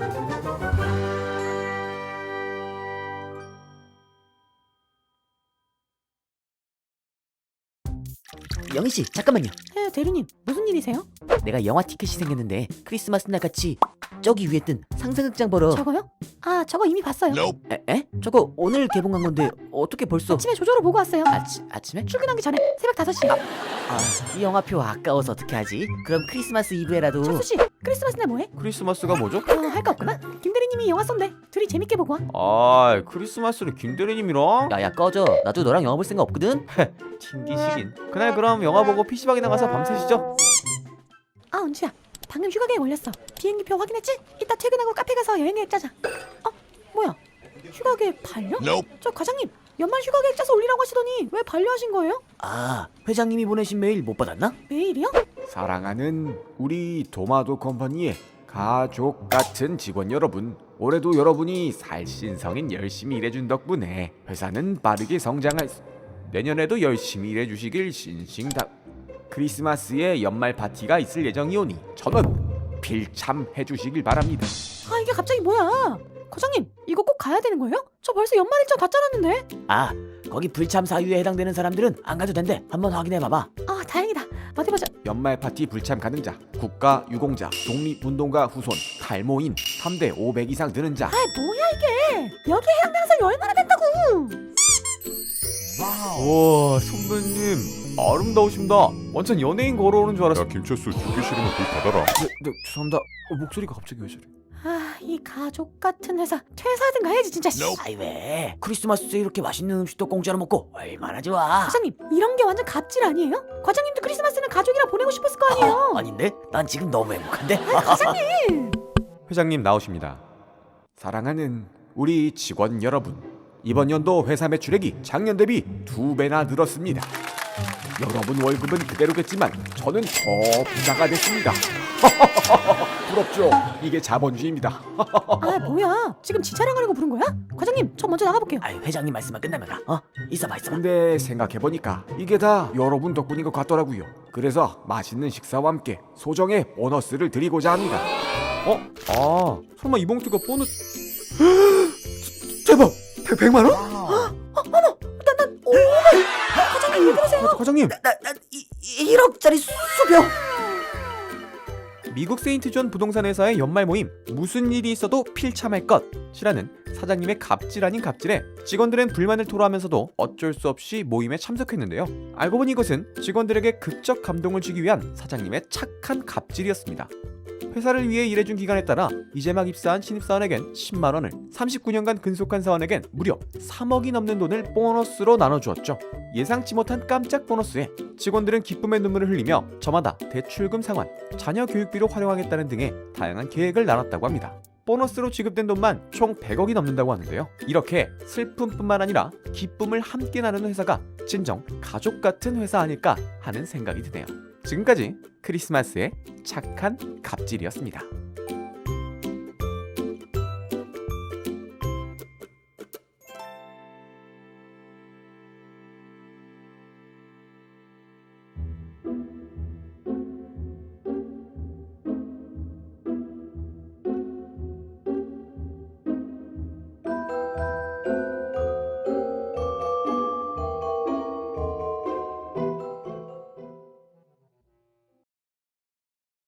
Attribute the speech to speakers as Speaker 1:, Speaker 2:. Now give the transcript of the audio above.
Speaker 1: 영희씨 잠깐만요.
Speaker 2: 네, 대리님 무슨 일이세요?
Speaker 1: 내가 영화 티켓이 생겼는데 크리스마스 날 같이 저기 위에 뜬 상상극장 보러.
Speaker 2: 저거요? 아, 저거 이미 봤어요.
Speaker 1: 에? 저거 오늘 개봉한 건데 어떻게 벌써?
Speaker 2: 아침에 조조로 보고 왔어요.
Speaker 1: 아침에?
Speaker 2: 출근하기 전에 새벽 5시.
Speaker 1: 이 영화표 아까워서 어떻게 하지? 그럼 크리스마스 이브에라도.
Speaker 2: 철수씨, 크리스마스 날 뭐해?
Speaker 3: 크리스마스가 뭐죠?
Speaker 2: 할 거 없구나. 김 대리님이 영화 쏜대. 둘이 재밌게 보고 와.
Speaker 3: 아, 크리스마스를 김대리님이랑?
Speaker 1: 야야 꺼져. 나도 너랑 영화 볼 생각 없거든.
Speaker 3: 튕기시긴. 그날 그럼 영화 보고 PC방에 나가서 밤새시죠?
Speaker 2: 아, 은주야. 방금 휴가 계획 올렸어. 비행기표 확인했지? 이따 퇴근하고 카페 가서 여행 계획 짜자. 뭐야? 휴가 계획 반려? 저 과장님, 연말 휴가 계획 짜서 올리라고 하시더니 왜 반려하신 거예요?
Speaker 1: 회장님이 보내신 메일 못 받았나?
Speaker 2: 메일이요?
Speaker 3: 사랑하는 우리 도마도 컴퍼니의 가족 같은 직원 여러분, 올해도 여러분이 살신성인 열심히 일해준 덕분에 회사는 빠르게 성장할 내년에도 열심히 일해주시길 신싱다. 크리스마스에 연말 파티가 있을 예정이오니 전원 필참해주시길 바랍니다.
Speaker 2: 이게 갑자기 뭐야? 과장님, 이거 꼭 가야 되는 거예요? 저 벌써 연말 일정 다 짜놨는데.
Speaker 1: 거기 불참 사유에 해당되는 사람들은 안 가도 된대. 한번 확인해봐봐.
Speaker 2: 다행이다. 어디 보자.
Speaker 3: 연말 파티 불참 가능자, 국가 유공자, 독립운동가 후손, 탈모인, 3대 500 이상 드는 자.
Speaker 2: 뭐야 이게? 여기에 해당되는 사람이 얼마나 된다고?
Speaker 3: 와, 선배님 아름다우십니다. 완전 연예인 걸어오는 줄 알았어.
Speaker 4: 야 김철수 죽기 싫으면 불 닫아라.
Speaker 3: 네, 죄송합니다. 목소리가 갑자기 왜 저래?
Speaker 2: 이 가족 같은 회사 퇴사하든 가야지 진짜.
Speaker 1: 왜? 크리스마스에 이렇게 맛있는 음식도 공짜로 먹고 얼마나 좋아.
Speaker 2: 과장님, 이런 게 완전 갑질 아니에요? 과장님도 크리스마스는 가족이랑 보내고 싶었을 거 아니에요?
Speaker 1: 아닌데? 난 지금 너무 행복한데?
Speaker 2: 과장님!
Speaker 3: 회장님 나오십니다. 사랑하는 우리 직원 여러분, 이번 연도 회사 매출액이 작년 대비 2배나 늘었습니다. 여러분 월급은 그대로겠지만 저는 더 부자가 됐습니다. 부럽죠? 이게 자본주의입니다.
Speaker 2: 뭐야? 지금 지 자랑하려고 부른 거야? 과장님, 저 먼저 나가볼게요.
Speaker 1: 회장님 말씀만 끝나면 가. 있어봐.
Speaker 3: 근데 생각해보니까 이게 다 여러분 덕분인 것 같더라고요. 그래서 맛있는 식사와 함께 소정의 보너스를 드리고자 합니다. 설마 이 봉투가 보너스... 대박! 100만 원?
Speaker 2: 과장님, 왜 그러세요?
Speaker 3: 과장님!
Speaker 1: 난 1억짜리 수표.
Speaker 3: 미국 세인트존 부동산 회사의 연말 모임, 무슨 일이 있어도 필참할 것이라는 사장님의 갑질 아닌 갑질에 직원들은 불만을 토로하면서도 어쩔 수 없이 모임에 참석했는데요. 알고 보니 이것은 직원들에게 극적 감동을 주기 위한 사장님의 착한 갑질이었습니다. 회사를 위해 일해준 기간에 따라 이제 막 입사한 신입사원에겐 10만 원을, 39년간 근속한 사원에겐 무려 3억이 넘는 돈을 보너스로 나눠주었죠. 예상치 못한 깜짝 보너스에 직원들은 기쁨의 눈물을 흘리며 저마다 대출금 상환, 자녀 교육비로 활용하겠다는 등의 다양한 계획을 나눴다고 합니다. 보너스로 지급된 돈만 총 100억이 넘는다고 하는데요. 이렇게 슬픔뿐만 아니라 기쁨을 함께 나누는 회사가 진정 가족 같은 회사 아닐까 하는 생각이 드네요. 지금까지 크리스마스의 착한 갑질이었습니다.